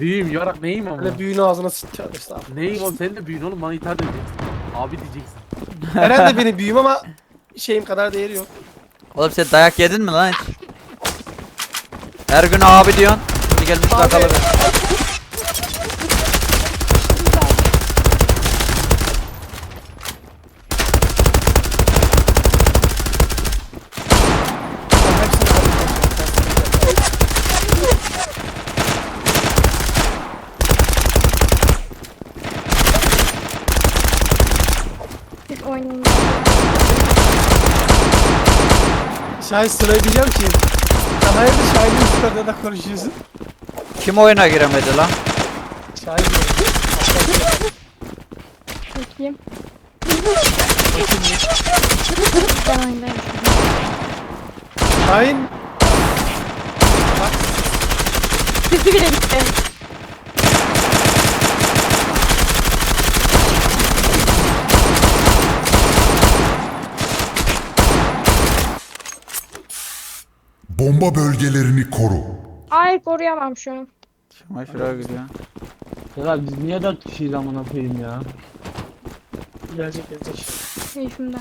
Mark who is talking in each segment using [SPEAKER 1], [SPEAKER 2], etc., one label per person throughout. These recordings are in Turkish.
[SPEAKER 1] Büyüğüm yarak neyim ama?
[SPEAKER 2] Böyle büyüğün ağzına sıçacağım işte abi.
[SPEAKER 1] Neyim oğlum sen de büyüğün oğlum bana ithal edeceksin. Abi diyeceksin.
[SPEAKER 2] Eren de benim büyüğüm ama şeyim kadar değeri yok.
[SPEAKER 3] Oğlum sen dayak yedin mi lan hiç? Her gün abi diyorsun. Şimdi gelmiş
[SPEAKER 2] Abi.
[SPEAKER 3] lakalı.
[SPEAKER 2] Ben hepsini
[SPEAKER 4] Biz oynayalım.
[SPEAKER 2] Şahin sırayı diyeceğim ki. Sen hayırdır Şahin'in üstlerine de konuşuyorsun.
[SPEAKER 3] Kim oyuna giremedi lan?
[SPEAKER 2] Şahin diyorum.
[SPEAKER 4] Bakayım. Ben oynayayım.
[SPEAKER 2] Şahin.
[SPEAKER 4] Sesi bile gitti.
[SPEAKER 5] Bomba bölgelerini koru.
[SPEAKER 4] Ay koruyamam şu an.
[SPEAKER 3] Şuna şuraya gidiyor.
[SPEAKER 1] Ya biz niye 4 kişiyiz amına koyayım ya?
[SPEAKER 2] Gelecek gelecek.
[SPEAKER 4] Keyfimden.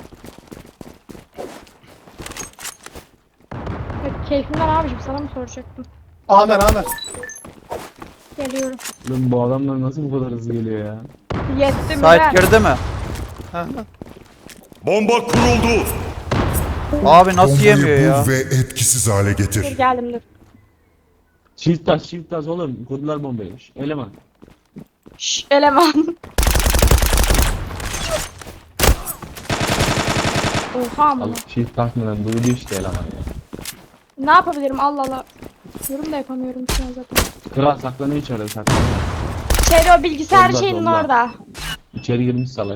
[SPEAKER 4] Evet, keyfimden abicim sana mı soracaktım?
[SPEAKER 2] Amer Amer.
[SPEAKER 4] Geliyorum.
[SPEAKER 1] Lan bu adamlar nasıl bu kadar hızlı geliyor ya?
[SPEAKER 4] Yetti mi
[SPEAKER 3] Sait
[SPEAKER 4] ben?
[SPEAKER 3] girdi mi?
[SPEAKER 2] Ha.
[SPEAKER 6] Bomba kuruldu.
[SPEAKER 3] Abi nasıl
[SPEAKER 5] Bombayı
[SPEAKER 3] yemiyor
[SPEAKER 5] bul
[SPEAKER 3] ya?
[SPEAKER 5] ve etkisiz hale
[SPEAKER 4] Dur
[SPEAKER 5] getir.
[SPEAKER 4] geldim dur.
[SPEAKER 1] Çift taş oğlum. Kurdular bombayı. Eleman.
[SPEAKER 4] Şşş eleman. Oha
[SPEAKER 1] Al
[SPEAKER 4] amına.
[SPEAKER 1] çift takmadan duydu işte eleman ya.
[SPEAKER 4] Ne yapabilirim Allah Allah. Yorum da yapamıyorum şu an zaten.
[SPEAKER 1] Kral saklanıyor içeride saklanıyor.
[SPEAKER 4] Şeyde o bilgisayar
[SPEAKER 1] Solda,
[SPEAKER 4] şeyinin
[SPEAKER 1] solda.
[SPEAKER 4] orada.
[SPEAKER 1] İçeri girmiş salak.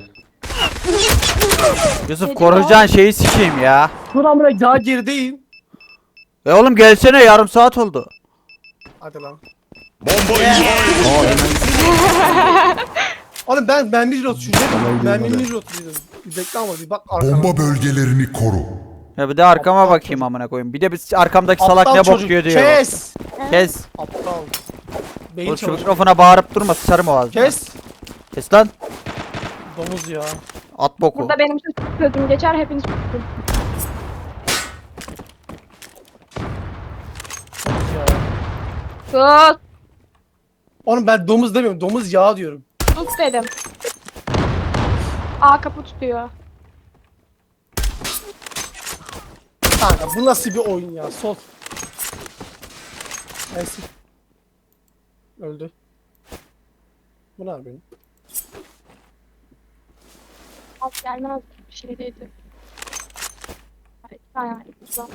[SPEAKER 3] Yusuf
[SPEAKER 4] Dedim
[SPEAKER 3] koruyacağın şeyi sikeyim ya.
[SPEAKER 2] Dur amına daha gerideyim.
[SPEAKER 3] Oğlum gelsene yarım saat oldu.
[SPEAKER 2] Hadi lan.
[SPEAKER 6] Bomba imha edildi.
[SPEAKER 2] Oğlum ben bir rot şurada.
[SPEAKER 1] Vallahi
[SPEAKER 2] Ben
[SPEAKER 1] duymadı.
[SPEAKER 2] bir rot dedim. Bir bekle ama bir bak arkama.
[SPEAKER 5] Bomba bölgelerini koru.
[SPEAKER 3] Ya bir de arkama
[SPEAKER 2] Aptal
[SPEAKER 3] bakayım
[SPEAKER 2] çocuk.
[SPEAKER 3] amına koyayım. Bir de biz arkamdaki salak
[SPEAKER 2] Aptal
[SPEAKER 3] ne bok
[SPEAKER 2] çocuk.
[SPEAKER 3] yiyor diyor.
[SPEAKER 2] Kes.
[SPEAKER 3] Kes.
[SPEAKER 2] Aptal. Beyin
[SPEAKER 3] Oğlum şu
[SPEAKER 2] çalışıyor.
[SPEAKER 3] mikrofona bağırıp durma sıçarım o ağzına.
[SPEAKER 2] Kes.
[SPEAKER 3] Kes lan.
[SPEAKER 2] Domuz ya.
[SPEAKER 3] At boku.
[SPEAKER 4] Burada benim sözüm geçer hepiniz tutun.
[SPEAKER 2] Domuz ya.
[SPEAKER 4] Tut.
[SPEAKER 2] Oğlum ben domuz demiyorum. Domuz yağı diyorum.
[SPEAKER 4] Tut dedim. A kapı tutuyor.
[SPEAKER 2] Kanka bu nasıl bir oyun ya? Sol. Neyse. Öldü. Bu ne yapıyorsun?
[SPEAKER 4] Alt gelmez bir şey değildi. Ay, ay, güzel.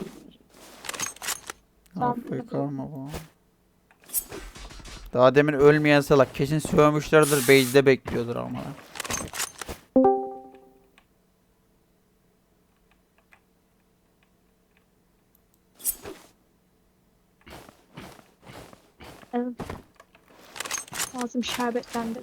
[SPEAKER 3] Afrika mı bu? Daha demin ölmeyen salak kesin sövmüşlerdir base'de bekliyordur ama.
[SPEAKER 4] Evet. Ağzım şerbetlendi.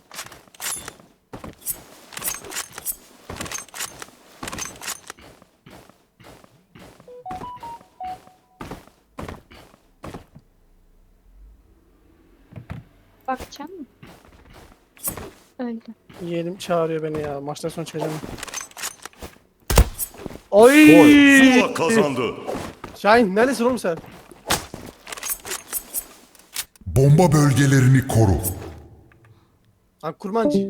[SPEAKER 4] Bakacağım mı? Öldü.
[SPEAKER 2] Yeğenim çağırıyor beni ya. Maçtan sonra çıkacağım. Oy!
[SPEAKER 6] Zula kazandı.
[SPEAKER 2] Şahin neredesin oğlum sen?
[SPEAKER 5] Bomba bölgelerini koru.
[SPEAKER 2] Lan kurmancı.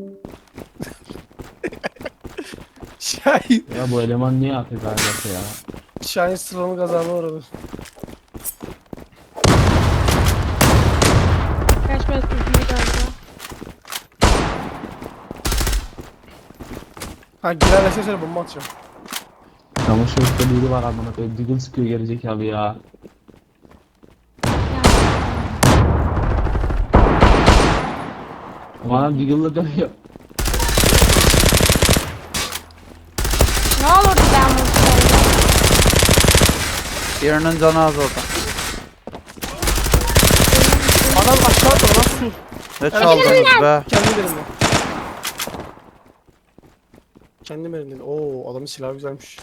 [SPEAKER 2] Şahin.
[SPEAKER 1] Ya bu eleman niye afk ailesi ya?
[SPEAKER 2] Şahin sıramı kazanma uğradı.
[SPEAKER 4] Kaç biraz üzümü galiba.
[SPEAKER 2] Ha girerlerse söyle bomba atacağım.
[SPEAKER 1] Çamaşır üstte biri var amına koyayım. Diggle sıkıyor gerizekalı ya. Bana Diggle'la dönüyor.
[SPEAKER 4] Ne olurdu ben vursaydım?
[SPEAKER 3] Birinin canı az orada.
[SPEAKER 2] Adam aşağı atma lan su.
[SPEAKER 3] Ne çaldınız be?
[SPEAKER 2] Kendim elimde. Kendim elimde. Oo adamın silahı güzelmiş.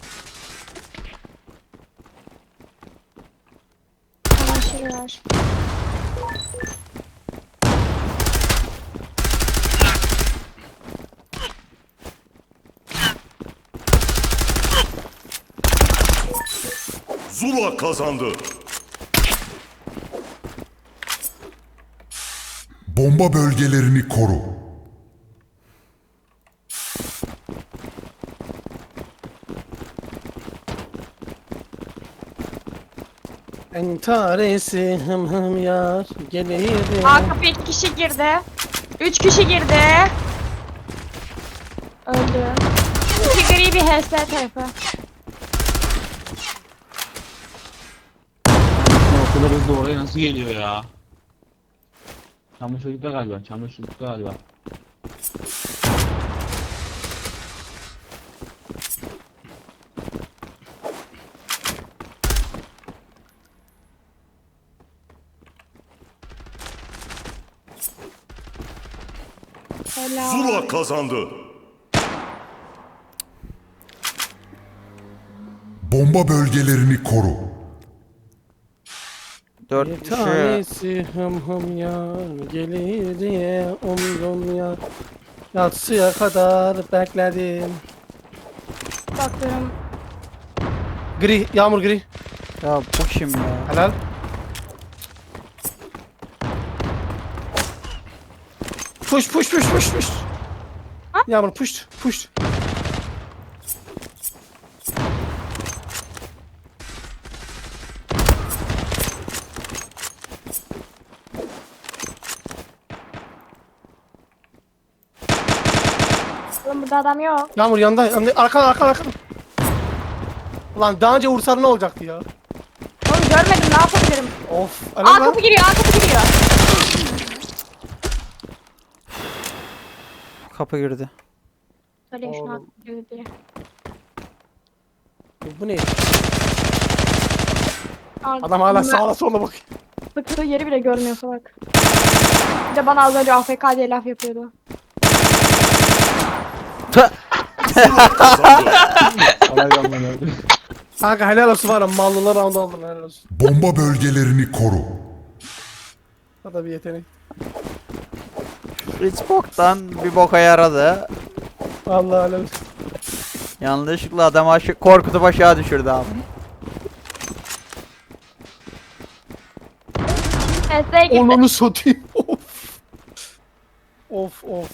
[SPEAKER 4] Çamaşırı var.
[SPEAKER 6] Zula kazandı.
[SPEAKER 5] Bomba bölgelerini koru.
[SPEAKER 2] Entaresi hım hım yar gelirdi.
[SPEAKER 4] A kapı 2 kişi girdi. 3 kişi girdi. Öldü. 2 gri bir HS tarafı.
[SPEAKER 1] O kadar hızlı oraya nasıl geliyor ya? Çamaşırlıkta galiba. Çamaşırlıkta galiba.
[SPEAKER 4] Helal.
[SPEAKER 6] Zula kazandı.
[SPEAKER 5] Bomba bölgelerini koru.
[SPEAKER 3] 4
[SPEAKER 2] Bir
[SPEAKER 3] kişi.
[SPEAKER 2] tanesi hım hım yar gelir diye umdum ya. Yatsıya kadar bekledim.
[SPEAKER 4] Bakıyorum.
[SPEAKER 2] Gri, yağmur gri.
[SPEAKER 3] Ya bu kim ya?
[SPEAKER 2] Helal. Push push push push push. Yağmur push push.
[SPEAKER 4] Oğlum burada adam yok.
[SPEAKER 2] Yağmur yanda, arkan. Ulan daha önce vursan ne olacaktı ya?
[SPEAKER 4] Oğlum görmedim, ne yapabilirim?
[SPEAKER 2] Of.
[SPEAKER 4] A
[SPEAKER 2] Helal lan.
[SPEAKER 4] kapı giriyor, A kapı giriyor.
[SPEAKER 3] Kapı girdi.
[SPEAKER 4] Söyleyeyim şunu A
[SPEAKER 2] Oğlum.
[SPEAKER 4] kapı giriyor diye.
[SPEAKER 2] Bu ne?
[SPEAKER 4] Aa,
[SPEAKER 2] Adam hala
[SPEAKER 4] ben
[SPEAKER 2] sağa sola bakıyor.
[SPEAKER 4] Sıktığı yeri bile görmüyor salak. Bir de bana az önce AFK diye laf yapıyordu.
[SPEAKER 6] Zula kazandı.
[SPEAKER 1] Alaydan ben öldüm.
[SPEAKER 2] Kanka helal olsun var ya mallılar round aldın helal olsun.
[SPEAKER 5] Bomba bölgelerini koru.
[SPEAKER 2] O da bir yetenek.
[SPEAKER 3] Hiç boktan bir boka yaradı.
[SPEAKER 2] Vallahi helal olsun.
[SPEAKER 3] Yanlışlıkla adamı korkutup aşağı düşürdü abi.
[SPEAKER 4] HS'ye girdi.
[SPEAKER 2] Onunu satayım. Of. Of.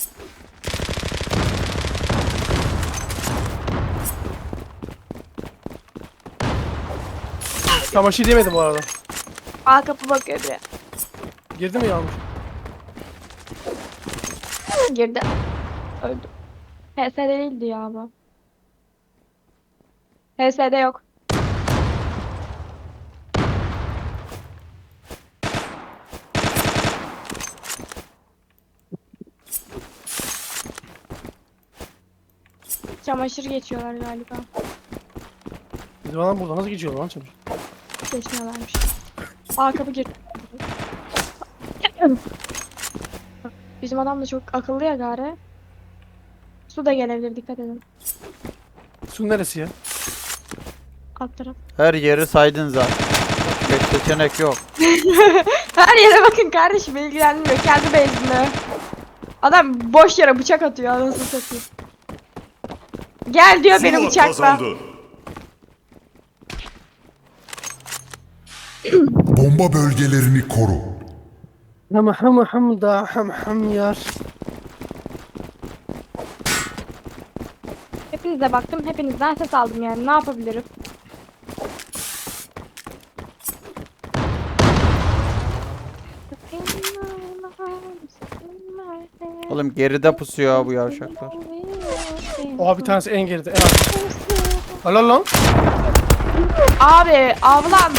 [SPEAKER 2] Çamaşır yemedim bu arada.
[SPEAKER 4] A kapı bakıyor biri.
[SPEAKER 2] Girdi mi yağmur?
[SPEAKER 4] Girdi. Öldü. HS'de değildi ya bu. HS'de yok. Çamaşır geçiyorlar galiba.
[SPEAKER 2] Bizim adam burada nasıl geçiyor lan çamaşır?
[SPEAKER 4] Geçmiyorlarmış. A kapı girdi. Bizim adam da çok akıllı ya gari. Su da gelebilir, dikkat edin.
[SPEAKER 2] Su neresi ya?
[SPEAKER 4] Alt taraf.
[SPEAKER 3] Her yeri saydın zaten. Başka seçenek yok.
[SPEAKER 4] Her yere bakın kardeşim, ilgilenmiyor. Kendi base'inde. Adam boş yere bıçak atıyor, anasını satayım. Gel diyor beni
[SPEAKER 6] Zula
[SPEAKER 4] bıçakla.
[SPEAKER 6] kazandı.
[SPEAKER 5] Bomba bölgelerini koru.
[SPEAKER 2] Ham da ham yar.
[SPEAKER 4] Hepinize baktım, hepinizden ses aldım yani. Ne yapabilirim?
[SPEAKER 3] Oğlum geride pusuyor bu yavşaklar.
[SPEAKER 2] Oha bir tanesi en geride en az. Helal lan.
[SPEAKER 4] Abi, ablam.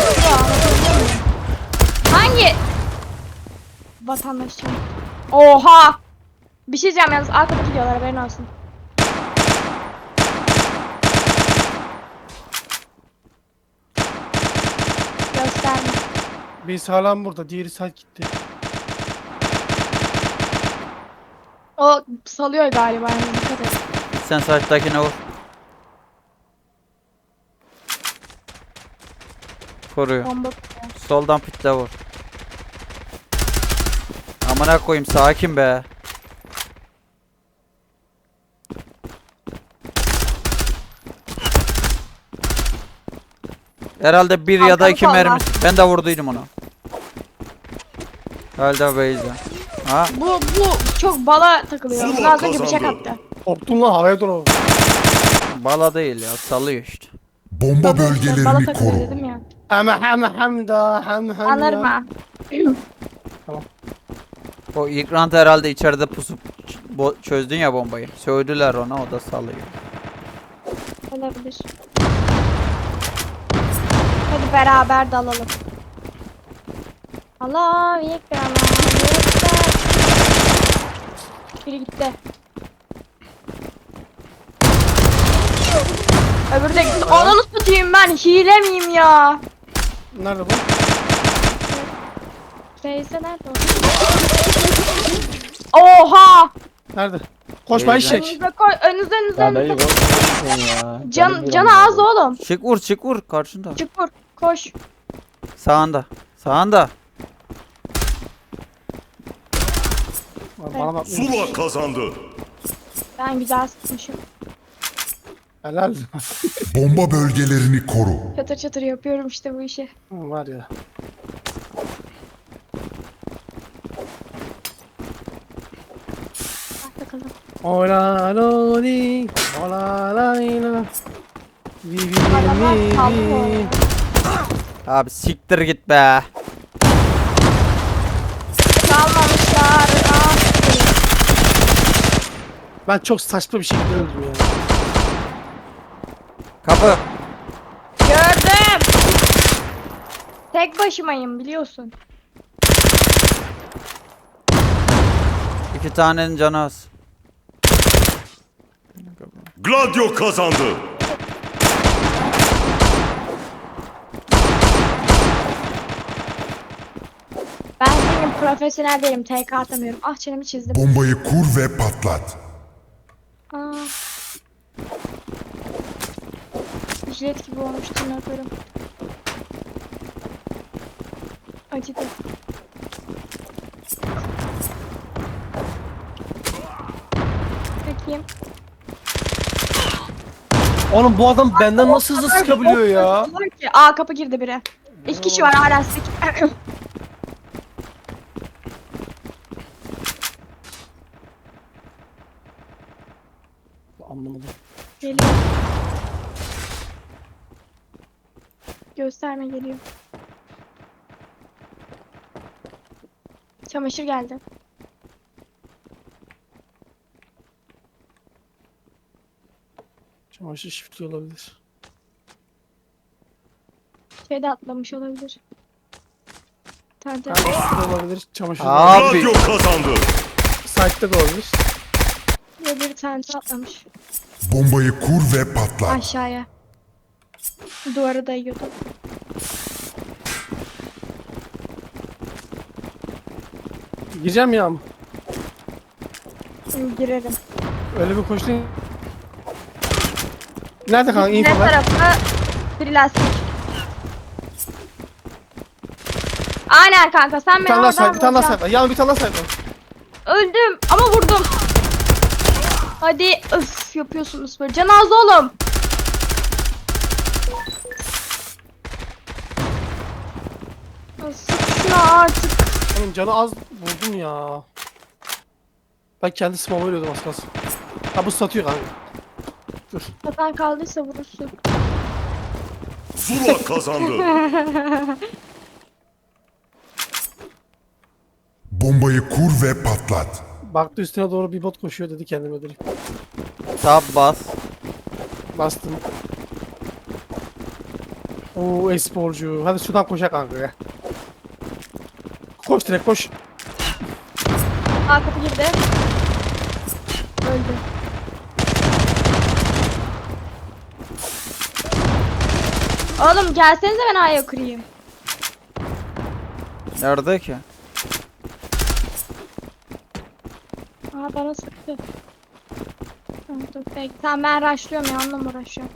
[SPEAKER 4] Hangi? Vatandaşım. Oha! Bir şey diyeceğim yalnız, arkada gidiyorlar, haberin olsun. Gösterme.
[SPEAKER 2] Biz hala burada. Diğeri side gitti.
[SPEAKER 4] O salıyor galiba, yani dikkat et.
[SPEAKER 3] Sen saçtakine vur. Koruyor.
[SPEAKER 4] Bomba.
[SPEAKER 3] Soldan pitle vur. Amına koyayım, sakin be. Herhalde bir ya da
[SPEAKER 4] Kalkanı
[SPEAKER 3] iki
[SPEAKER 4] salla.
[SPEAKER 3] mermi. Ben de vurduydum onu. Herhalde base'de. Ha?
[SPEAKER 4] Bu çok bala takılıyor.
[SPEAKER 6] Zula
[SPEAKER 4] Buna az önce bıçak
[SPEAKER 6] kazandı.
[SPEAKER 4] attı.
[SPEAKER 2] Korktun lan havaya doğru.
[SPEAKER 3] Bala değil ya, sallıyor işte.
[SPEAKER 5] Bomba
[SPEAKER 4] Bala
[SPEAKER 5] bölgelerini
[SPEAKER 4] takılıyor
[SPEAKER 5] koru.
[SPEAKER 4] dedim ya.
[SPEAKER 2] Hem
[SPEAKER 4] Anlarım ha.
[SPEAKER 3] O ilk round herhalde içeride pusup çözdün ya bombayı. Sövdüler ona, o da sallıyor.
[SPEAKER 4] Olabilir. Hadi beraber dalalım. Allah ekber, Allah ekber. Biri gitti. Öbürü de gitti. Ananı satayım, ben hile miyim ya?
[SPEAKER 2] Nerede bu?
[SPEAKER 4] Neyse nerede o? Oha!
[SPEAKER 2] Nerede? Koş bay
[SPEAKER 3] Teyze.
[SPEAKER 2] eşek.
[SPEAKER 4] Önünüze koy, önünüze
[SPEAKER 1] Ya dayı
[SPEAKER 4] önünüze.
[SPEAKER 1] korkma ya.
[SPEAKER 4] Canı az oğlum.
[SPEAKER 3] Çık vur karşında.
[SPEAKER 4] Çık vur, koş.
[SPEAKER 3] Sağında. Sağında.
[SPEAKER 2] Bana bak.
[SPEAKER 6] Zula kazandı.
[SPEAKER 4] Ben güzel sıkmışım.
[SPEAKER 2] Helal.
[SPEAKER 5] Bomba bölgelerini koru.
[SPEAKER 4] Çatır çatır yapıyorum işte bu işi.
[SPEAKER 2] Var ya.
[SPEAKER 4] Bak bakalım.
[SPEAKER 2] Ola loli, ola layla.
[SPEAKER 4] Adamlar kaldı bu arada.
[SPEAKER 3] Abi siktir git be.
[SPEAKER 4] Kalmamışlar.
[SPEAKER 2] Ben çok saçma bir şekilde öldüm ya.
[SPEAKER 3] Kapı.
[SPEAKER 4] Gördüm. Tek başımayım biliyorsun.
[SPEAKER 3] İki tanenin canı az.
[SPEAKER 6] Gladio kazandı.
[SPEAKER 4] Ben senin profesyonel değilim. TK atamıyorum. Ah çenemi çizdim.
[SPEAKER 5] Bombayı kur ve patlat.
[SPEAKER 4] Aa. Jilet gibi olmuş tırnaklarım. Acıdı. Bakayım.
[SPEAKER 2] Oğlum bu adam benden nasıl hızlı sıkabiliyor ya?
[SPEAKER 4] Aa kapı girdi biri. İki kişi var hala sik.
[SPEAKER 2] Anlamadım.
[SPEAKER 4] Geliyor. Gösterme geliyor. Çamaşır geldi.
[SPEAKER 2] Çamaşır şifti olabilir.
[SPEAKER 4] Şeyde atlamış olabilir. Tante.
[SPEAKER 2] Şifti olabilir. Çamaşır da
[SPEAKER 3] Abi.
[SPEAKER 6] Gladio kazandı.
[SPEAKER 2] Site'de de olabilir.
[SPEAKER 4] Ve bir tante atlamış.
[SPEAKER 5] Bombayı kur ve patlat.
[SPEAKER 4] Aşağıya. Duvara dayıyordu.
[SPEAKER 2] Gireceğim ya ama.
[SPEAKER 4] Girerim.
[SPEAKER 2] Öyle bir koştun. Nerede kanka?
[SPEAKER 4] Ne
[SPEAKER 2] İnfo ver.
[SPEAKER 4] tarafı? Bir lastik. Aynen kanka sen
[SPEAKER 2] Bir
[SPEAKER 4] beni
[SPEAKER 2] tane daha
[SPEAKER 4] oradan
[SPEAKER 2] site. Bir tane daha
[SPEAKER 4] vuracaksın.
[SPEAKER 2] site. Yan bir tane daha site.
[SPEAKER 4] Öldüm ama vurdum. Hadi öf yapıyorsunuz böyle. Can az oğlum. Sık şuna artık.
[SPEAKER 2] Oğlum canı az vurdum ya. Ben kendi small ölüyordum az kalsın. Ha bu satıyor kanka. Dur.
[SPEAKER 4] Kafan kaldıysa vurursun.
[SPEAKER 6] Zula kazandı.
[SPEAKER 5] Bombayı kur ve patlat.
[SPEAKER 2] Baktı üstüne doğru bir bot koşuyor dedi kendime öldüreyim.
[SPEAKER 3] Tab bas.
[SPEAKER 2] Bastım. Oo e-sporcu. Hadi şuradan koşak kanka ya. Koş direkt koş.
[SPEAKER 4] Aa kapı girdi. Öldü. Oğlum gelsenize ben A'ya kırayım.
[SPEAKER 3] Nerede ki?
[SPEAKER 4] Aa bana sıktı. Tamam dur bekle. Tamam ben rushlıyorum ya onunla mı uğraşıyorum?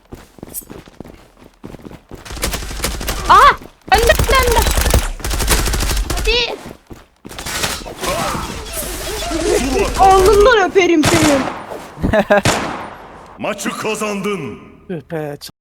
[SPEAKER 4] Aa! Önde. Hadi. Alnından öperim seni.
[SPEAKER 6] Maçı kazandın.
[SPEAKER 2] Tüh be.